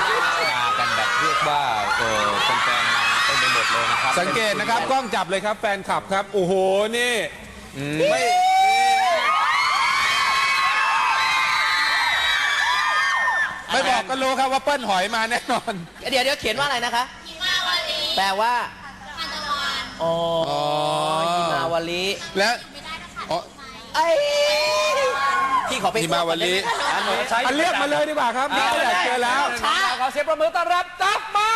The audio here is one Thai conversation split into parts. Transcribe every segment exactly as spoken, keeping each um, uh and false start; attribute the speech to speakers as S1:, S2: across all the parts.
S1: มากันแบบเรียกว่าเออแฟนๆมาเต็มไปหมดเลยนะครับสังเกตนะครับกล้องจับเลยครับแฟนคลับครับโอ้โหนี่ไม่ไม่บอกก็รู้ครับว่าเปิ้ลหอยมาแน่นอน
S2: เดี๋ยวเดี๋ยวเขียนว่าอะไรนะคะแปลว่าอ๋อหิมาวลี
S1: และอ๋อ
S2: ไอ้พี่ขอไป
S1: หิมาวลี
S2: อัน
S1: เรียกมาเลยดีกว่าครับนี่อยากเจอแล้ว
S2: ขอเสียงประมือต้อนรับจับมา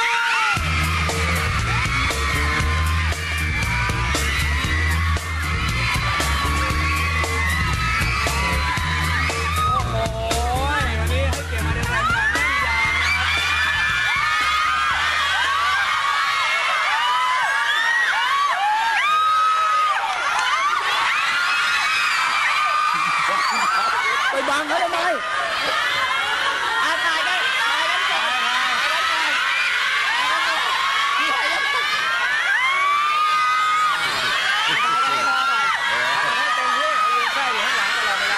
S1: ไปบังเขาทำไม
S2: อาถ่ายกันถ่ายกันก่อนถ่ายกันก่อนพี่ถ่ายกันก่อนถ่ายกันให้พอก่อนให้เต็มที่ยืนใช่อยู่ข้างหลังตลอดเวลา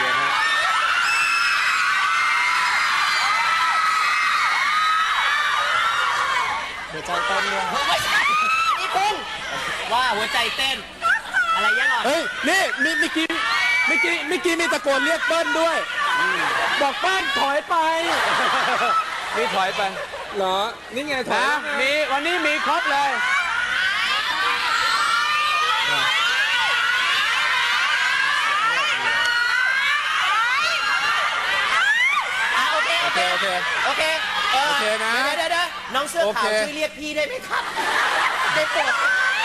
S2: หัวใจเต้นเนี่ยไม่ใช่อันนี้คุณว่าหัวใจเต้นอะไรยังไง
S1: เฮ้ยนี่มีเมื่อกี้เมื่อกี้เมื่อกี้มีตะโกนเรียกเปิ้ลด้วยบอกเปิ้ลถอยไปนี่ถอยไปเหรอนี่ไงถอย
S2: มีวันนี้มีครบเลยโอเคโอเคโอเคโอเค
S1: โอเคนะ
S2: เดี๋ยวเดี๋ยวน้องเสื้อขาวช่วยเรียกพี่ได้ไหมครับได้โปรด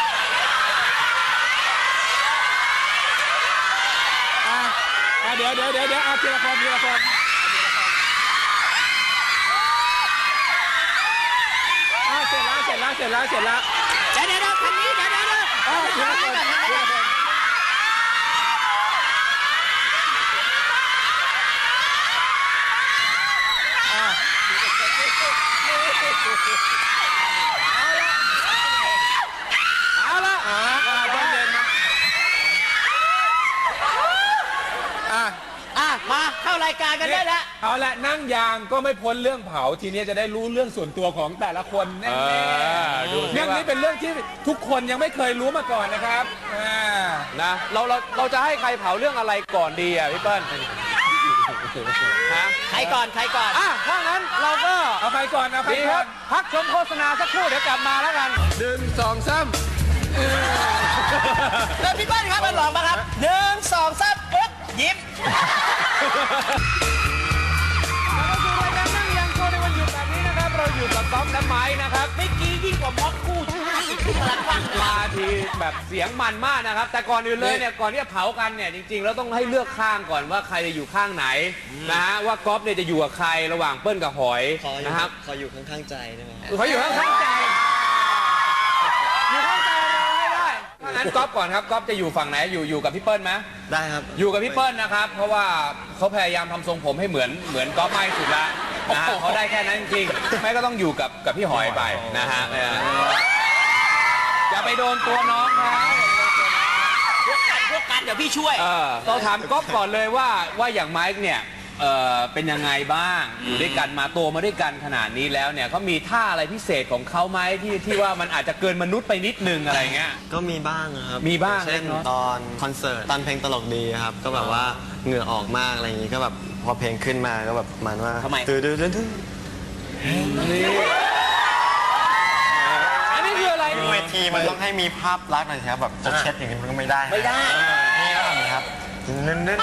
S1: เดี๋ยวเดี๋ยวเดี๋ยวเดี๋ยวเอาทีละคนทีละคนอ่าเสร็จแล้วเสร็จแล้วเสร็จแล้วเสร็จแล้ว
S2: เดี๋ยวเดี๋ยวคันนี้เดี๋ยวเดี๋ยวเดี๋ยว
S1: อ่าทีละคนทีละคนอ่าเอาละเอาละอ่าตอนเย็นนะอ่ะ
S2: อ่ะมาเข้ารายการกันได้แล้ว
S1: เอาละนั่งยางก็ไม่พ้นเรื่องเผาทีนี้จะได้รู้เรื่องส่วนตัวของแต่ละคนแน่ๆเรื่องนี้เป็นเรื่องที่ทุกคนยังไม่เคยรู้มาก่อนนะครับ
S3: นะเราเราเราจะให้ใครเผาเรื่องอะไรก่อนดีอ่ะพี่เปิ้ล
S2: ฮะใครก่อนใครก่อน
S3: อ่ะถ้างั้นเราก็
S1: เอาใครก่อนเอาใครก่อน
S3: พักชมโฆษณาสักครู่เดี๋ยวกลับมาแล้วกัน
S1: หนึ่งสองสาม
S2: เดินพี่เปิ้ลครับมาลองมาครับหนึ่งสองสามปึ๊บยิ้ม
S3: เราสู่รายการนั่งยางโชว์ในวันหยุดแบบนี้นะครับเราอยู่กับก๊อฟและไม้นะครับ
S2: เมื่อกี้ยิ่งกว่าม็อกคู่ชาติพลังฟัง
S3: มาทีแบบเสียงมันมากนะครับแต่ก่อนอื่นเลยเนี่ยก่อนที่จะเผากันเนี่ยจริงๆแล้วต้องให้เลือกข้างก่อนว่าใครจะอยู่ข้างไหนนะฮะว่าก๊อฟเนี่ยจะอยู่กับใครระหว่างเปิ้ลกับหอยนะครับ
S4: ขออยู่ข้างๆใจได้ไหม
S3: เขาอยู่ข้างๆใจอยู่ข้างใจเราให้ได้ถ้างั้นก๊อฟก่อนครับก๊อฟจะอยู่ฝั่งไหนอยู่อยู่กับพี่เปิ้ลไหม
S4: ได้ครับ
S3: อยู่กับพี่เปิ้ลนะครับเพราะว่าเขาพยายามทำทรงผมให้เหมือนเหมือนก๊อฟมากที่สุดละนะเขาได้แค่นั้นจริงๆไม่ก็ต้องอยู่กับกับพี่หอยไปนะฮะอย่าไปโดนตัวน้องเขา
S2: พวกกันพวกกันเดี๋ยวพี่ช่วย
S3: เราถามก๊อฟก่อนเลยว่าว่าอย่างไมค์เนี่ยเออเป็นยังไงบ้างอยู่ด้วยกันมาโตมาด้วยกันขนาดนี้แล้วเนี่ยเขามีท่าอะไรพิเศษของเขาไหมที่ที่ว่ามันอาจจะเกินมนุษย์ไปนิดนึงอะไรเงี้ย
S4: ก็มีบ้างครับ
S3: มีบ้าง
S4: เช่นตอนคอนเสิร์ตตอนเพลงตลกดีครับก็แบบว่าเหงื่อออกมากอะไรอย่างงี้ก็แบบพอเพลงขึ้นมาก็แบบมันว่า
S2: ทำไม
S4: ตื่นตื่นตื่นตื่น
S3: อันนี้คืออะไร
S4: เวทีมันต้องให้มีภาพลักษณ์หน่อยครับแบบจะเช็ดอย่างนี้มันก็ไม่ได้
S2: ไม่ได้
S4: นี่ก็ทำครับนื่นนื่น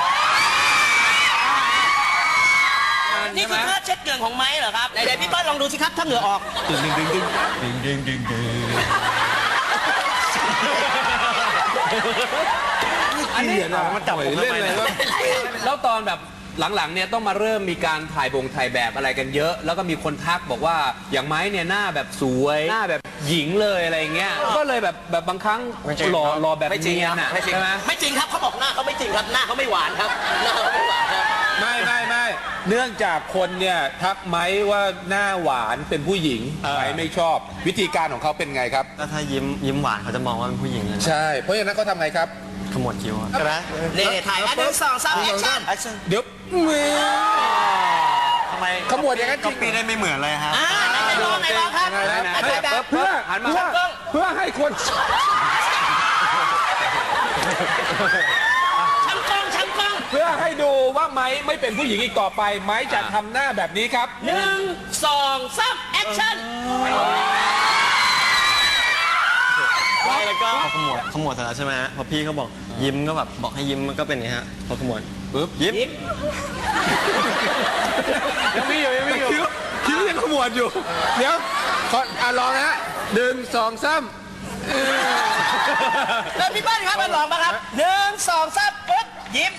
S2: นี่คือท่าเช็ดเหงื่อของไม้เหรอครับไหนๆพี่เปิ้ลลองดูสิครับถ้าเหงื่อออกดึงดึงดึงดึงดึงดึงดึงดึง
S3: อันนี้
S4: มันจับผม
S3: เล่นอะไรแล้วตอนแบบหลังๆเนี่ยต้องมาเริ่มมีการถ่ายบงถ่ายแบบอะไรกันเยอะแล้วก็มีคนทักบอกว่าอย่างไม้เนี่ยหน้าแบบสวยหน้าแบบหญิงเลยอะไรเงี้ยก็เลยแบบแบบบางครั้งหล่อหล่อแบบเนียนอ่ะใช่ไหม
S2: ไม่จริงครับเขาบอกหน้าเขาไม่จริงครับหน้าเขาไม่หวานครับหน้าเขาไม่หวานครับ
S1: ไม่ไม่ไม่เนื่องจากคนเนี่ยทักไม้ว่าหน้าหวานเป็นผู้หญิงไม้ไม่ชอบวิธีการของเขาเป็นไงครับ
S4: ก็ถ้ายิ้มยิ้มหวานเขาจะมองว่าเป็นผู้หญิงเลย
S1: ใช่เพราะฉะนั้นเขาทำไงครับ
S4: ขมวดคิ้วใช่ไหม
S2: เล่ถ่ายอันหนึ่งสองสามแอคชั่น
S1: เดี๋ยว
S4: ำไม
S1: ขมวดอย่างนั้นจ
S4: ก็
S1: ริง
S4: ปีได้ไม่เหมือนเลยฮะ
S2: อ่าไหนไหนลองไหนลองครับ
S1: ไหนไหน
S2: ถ่ายแบบ
S1: เพื่อ
S3: หันมา
S1: เพื่อเพื่อให้คน
S2: ช่างกล้องช่างกล้อง
S1: เพื่อให้ดูว่าไม้ไม่เป็นผู้หญิงอีกต่อไป ไม้จะทำหน้าแบบนี้ครับ
S2: หนึ่งสองสามแอคชั่น
S4: แล้วก็พอขมวดขมวดเสร็จแล้วใช่ไหมฮะพอพี่เขาบอกยิ้มก็แบบบอกให้ยิ้มมันก็เป็นอย่างนี้ฮะพอขมวดปุ๊บยิ้ม
S1: ยังมีอยู่ยังมีอยู่คิ้วคิ้วยังขมวดอยู่ เดี๋ยวขออ่ะลองนะฮะหนึ่งสองสาม
S2: แล้วพี่เปิ้ลครับมาลองมาครับหนึ่งสองสามปึ๊บยิ้ม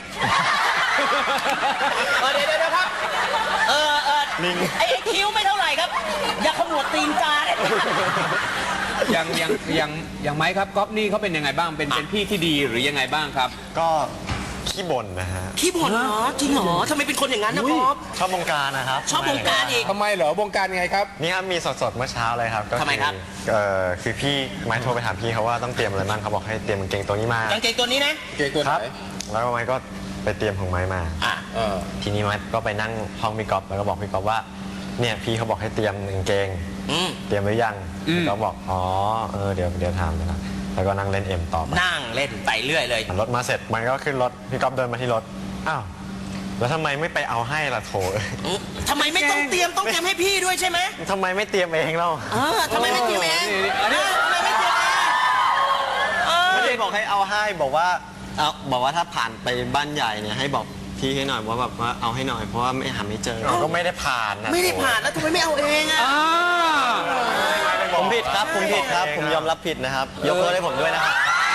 S2: เออเดี๋ยวเดี๋ยวครับเออเออไอ้ไอ้คิ้วไม่เท่าไหร่ครับ อย่าขมวดตีนกาเนี่ย
S3: อย่างอย่างอย่างอย่างไม้ครับก๊อฟนี่เขาเป็นยังไงบ้างเป็นเป็นพี่ที่ดีหรือยังไงบ้างครับ
S4: ก็ขี้บ่นนะฮะ
S2: ขี้บ่นเหรอจริงเหรอทำไมเป็นคนอย่างนั้นนะป๊อป
S4: ชอบวงการนะครับ
S2: ชอบวงการอีก
S1: ทำไมเหรอวงการไงครับ
S4: นี่ครับมีสดๆเมื่อเช้าเลยครับก็อ
S2: ทำไมครับ
S4: เอ่อคือพี่ไม้โทรไปถามพี่เขาว่าต้องเตรียมอะไรบ้างเขาบอกให้เตรียมกางเกงตัวนี้มาก
S2: างเกงตัวนี้นะ
S1: เก่งตัวไห
S4: คน รับแล้วไม้ก็ไปเตรียมของไม้มา
S2: อ่ะ
S1: เออ
S4: ทีนี้ไม้ก็ไปนั่งห้องพี่ก๊อฟแล้วก็บอกพี่ก๊อฟว่าเนี่ยพี่เขาบอกให้เตรียมกางเกง
S2: อืม
S4: เตรียมหรือยังพี่ก๊อฟบอกอ๋อเออเดี๋ยวเดี๋ยวถามนะแล้วก็นั่งเล่นเอ็มต่อไป
S2: นั่งเล่นไปเรื่อยเลย
S4: รถมาเสร็จมันก็ขึ้นรถพี่ก๊อฟเดินมาที่รถอ้าวแล้วทำไมไม่ไปเอาให้ล่ะโถ
S2: อืมทำไมไม่ต้องเตรียมต้องเตรียมให้พี่ด้วยใช่ไหม
S4: ทำไมไม่เตรียมเองเล่า
S2: เออทำไมไม่เตรียมเอง
S3: นี่นี่อันนี้
S2: เออทำไมไม่เตรียมเองเออ
S4: ไม่ได้บอกให้เอาให้บอกว่าเอาบอกว่าถ้าผ่านไปบ้านใหญ่เนี่ยให้บอกพี่ให้หน่อยว่าแบบว่าเอาให้หน่อยเพราะว่าไม่หาไม่เจอก็ไม่ได้ผ่านนะ
S2: ไม่ได้ผ่านแล้วทำไมไม่เอาเองอ่ะ
S3: อ่า
S4: ผมผิดครับผมผิดครับผมยอมรับผิดนะครับยกโทษให้ผมด้วยนะครับ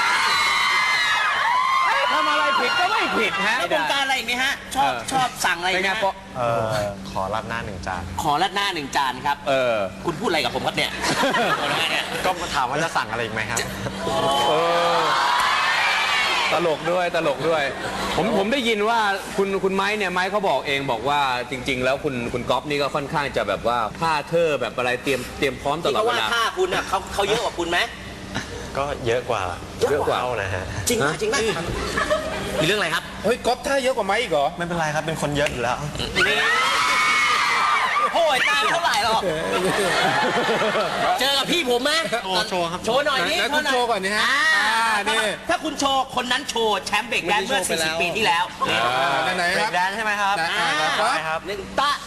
S3: ทำอะไรผิดก็ไม่ผิดฮะ
S2: แล้ววงการอะไรอีกไหมฮะ ชอบชอบสั่งอะไรอี
S3: เป็น
S2: ก
S3: ไง
S2: ฮะ
S3: ปะ
S4: เออขอรับหน้าหนึ่งจาน
S2: ขอรัดหน้าหนึ่งจานครับ
S3: เออ
S2: คุณพูดอะไรกับผมครับเนี่ยขอรัดหน้าเนี่ย
S4: ก็ถามว่าจะสั่งอะไรอีกไหมครับ
S3: เออตลกด้วยตลกด้วย ผมผมได้ยินว่าคุณคุณไม้เนี่ยไม้เขาบอกเองบอกว่าจริง ๆ แล้วคุณคุณก๊อฟนี่ก็ค่อนข้างจะแบบว่าผ้าเธอแบบอะไรเตรียมเตรียมพร้อมต
S2: ที่
S3: ลอด
S2: เขา
S3: เว
S2: ว่า
S3: ลา
S2: ค่าคุณอ่ะเขาเขาเยอะกว่าคุณไหม
S4: ก็เยอะกว่า
S2: เยอะกว่า
S4: เท่านะฮะ
S2: จริงป่ะจริงป่ะมีเรื่องอะไรครับ
S1: เฮ้ยก๊อฟท่าเยอะกว่าไม้อีกเหรอ
S4: ไม่เป็นไรครับเป็นคนเยอะอยู่แล้ว
S2: นี่โอ้ยตามเท่าไหร่หรอกเจอกับพี่ผมไหม
S4: โชว์โชว์ครับ
S2: โชว์หน่อยนี่
S1: ไหนคุณโชว์ก่อนนี่ฮะ
S2: อ่า
S1: อ่านี่
S2: ถ้าคุณโชว์คนนั้นโชว์แชมป์เบรกแดนซ์เมื่อสี่สิบปีที่แล้ว
S1: อ่าไหนๆครับ
S4: แดนใช่ไหมครับ
S1: อ่าครับ
S4: ได้ครับ
S2: หนึ่งตะ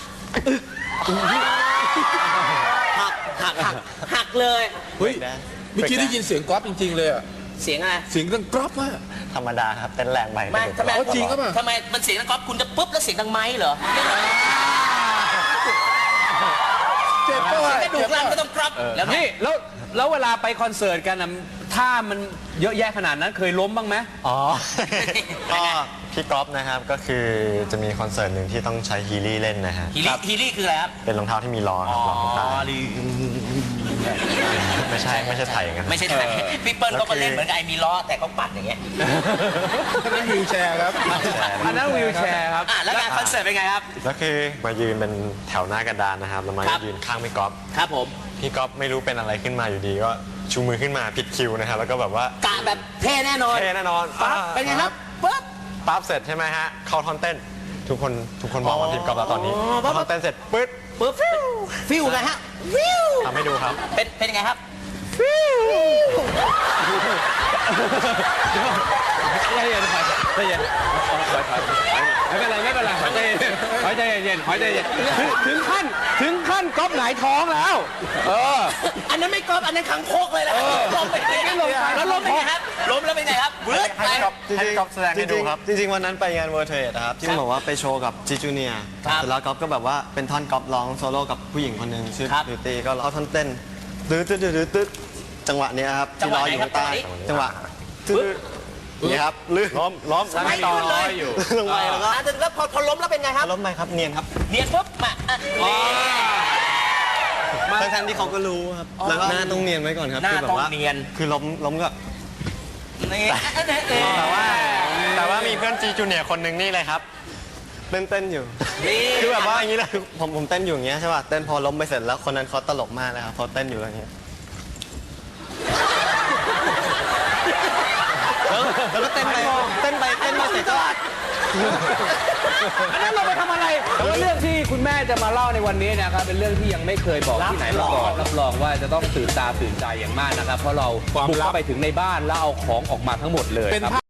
S2: หักหักหักหักเลย
S1: เฮ้ยเมื่อกี้ได้ยินเสียงก๊อฟจริง ๆ เลยอะ
S2: เสียงอะไร
S1: เสียงดังกรอบมาก
S4: ธรรมดาครับเต้นแรงไป
S2: ไม่ทำไม
S1: เอาจริงก็เปล่า
S2: ทำไมมันเสียงดังก๊อฟคุณจะปุ๊บแล้วเสียงดังไม้เหรอ
S1: เจ็บป่ะ
S2: กระดูกรันก็ต้องกรอบแล้วไง
S3: นี่แล้วแล้วเวลาไปคอนเสิร์ตกันนะถ้ามันเยอะแยะขนาดนั้นเคยล้มบ้างไหม
S4: อ๋อ ก็พี่ก๊อฟนะครับก็คือจะมีคอนเสิร์ตหนึ่งที่ต้องใช้ฮีลี่เล่นนะฮะ
S2: ฮีลี่ฮีลี่คืออะไรครับ
S4: เป็นรองเท้าที่มีล้อครับรองเท้า
S2: ลี
S4: ไม่ใช่ไม่ใช่ไทยอย่างนั้น
S2: ไม่ใช่ไทยพี่เปิ้ลเขาก็เล่นเหมือนกับไอ้มีล้อแต่เขาปัดอย่างเงี้ย
S1: นั่นวิวแชร์ครับ
S3: อันนั้นวีลแชร์ครับ
S2: อ่ะแล้วงานคอนเสิร์ตเป็นไงครับ
S4: แล้วคือมายืนเป็นแถวหน้ากระดานนะครับแล้วมา
S2: ครับ
S4: ยืนข้างพี่ก๊อฟ
S2: ครับผม
S4: พี่ก๊อฟไม่รู้เป็นอะไรขึ้นมาอยู่ดีก็ชูมือขึ้นมาผิดคิวนะครับแล้วก็แบบว่าก
S2: ะแบบเท่แน่นอน
S4: เท่แน่นอน
S2: ปั๊บ
S4: อ่า
S2: เป็นไงครับปั๊บ
S4: ปั๊บเสร็จใช่ไหมฮะเข้าท่อนเต้น ทุกคนทุกคนมองมาทีมก๊อฟแล้วตอนนี้
S2: อ๋อปั๊บ
S4: เข้าท่อนเต้นเสร็จปึ๊ด
S2: ปึ๊บฟิวฟิวไงฮะฟิว
S4: ทำให้ดูครับ
S2: เป็นเป็นยังไงครับ
S3: ใจเย็นถอยใจเย็นถอยถอยไม่เป็นไรไม่เป็นไรถอยใจเย็นถอยใจเย็นถอยใจเย็นถึงถึงขั้นถึงขั้นก๊อฟหงายท้องแล้ว เออ
S2: อันนั้นไม่กรอบอันนั้นขังโคกเลยนะล้มไปเลย
S3: ไม่ลงไป
S2: แล้วล้มเป็นไงครับล้มแล้วเป็นไงครับเบิร์ดไป
S4: ให้ก๊อฟแสดงให้ดูครับจริงๆวันนั้นไปงานเวอร์เทดครับที่บอกว่าไปโชว์กับจิจูเนีย
S2: ครับ
S4: เสร็จแล้วก๊อฟก็แบบว่าเป็นท่อนก๊อฟร้องโซโล่กับผู้หญิงคนหนึ่งชื่อ
S2: ครับ
S4: บิวตี้ก็เอาท่อนเต้นตึ๊ดตึ๊ดตึ๊ดตึ๊ดจังหวะเนี้ยครับ
S2: จัง
S4: ที่
S2: หวะ
S4: ร้อยอยู่ข้างใต้
S2: ไหนครับ
S4: จังหวะตึ๊ดนี่ครับลื่นล้มล้ม
S2: ไม่ต่อเลย
S3: อยู่
S4: ลงไปแล้วก็
S2: อ่ะแล้วพอพอล้มแล้วเป็นไงครับ
S4: ล้มไปครับเนียนครับ
S2: เนียนปุ๊บมาอ่ะนี่
S4: ทั้งๆที่เขาก็รู้ครับแล้วก็หน้าต้องเนียนไว้ก่อนครับ
S2: หน้า
S4: คือแบบ
S2: ต้อง
S4: ว่า
S2: เนียน
S4: คือล้มล้มก็
S2: นี่
S4: แต่ว่าแต่ว่ามีเพื่อนจีจูเนียคนหนึ่งนี่เลยครับเต้นเต้นอยู่
S2: นี่
S4: คือแบบว่าอย่างนี้เลยผมผมเต้นอยู่อย่างเงี้ยใช่ป่ะเต้นพอล้มไปเสร็จแล้วคนนั้นเขาตลกมากเลยครับพอเต้นอยู่อย่างเงี้ยแล้วแล้วก็เต้นไปเต้นไปเต้นมาเสร็จก็
S3: อันนั้นเราไปทำอะไรแต่ว่าเรื่องที่คุณแม่จะมาเล่าในวันนี้นะครับเป็นเรื่องที่ยังไม่เคยบอกที่ไหนมาก่อนรับรองว่าจะต้องตื่นตาตื่นใจอย่างมากนะครับเพราะเราบุกเข้าไปถึงในบ้านแล้วเอาของออกมาทั้งหมดเลย
S1: เป็น
S3: ครับ
S1: ภาพ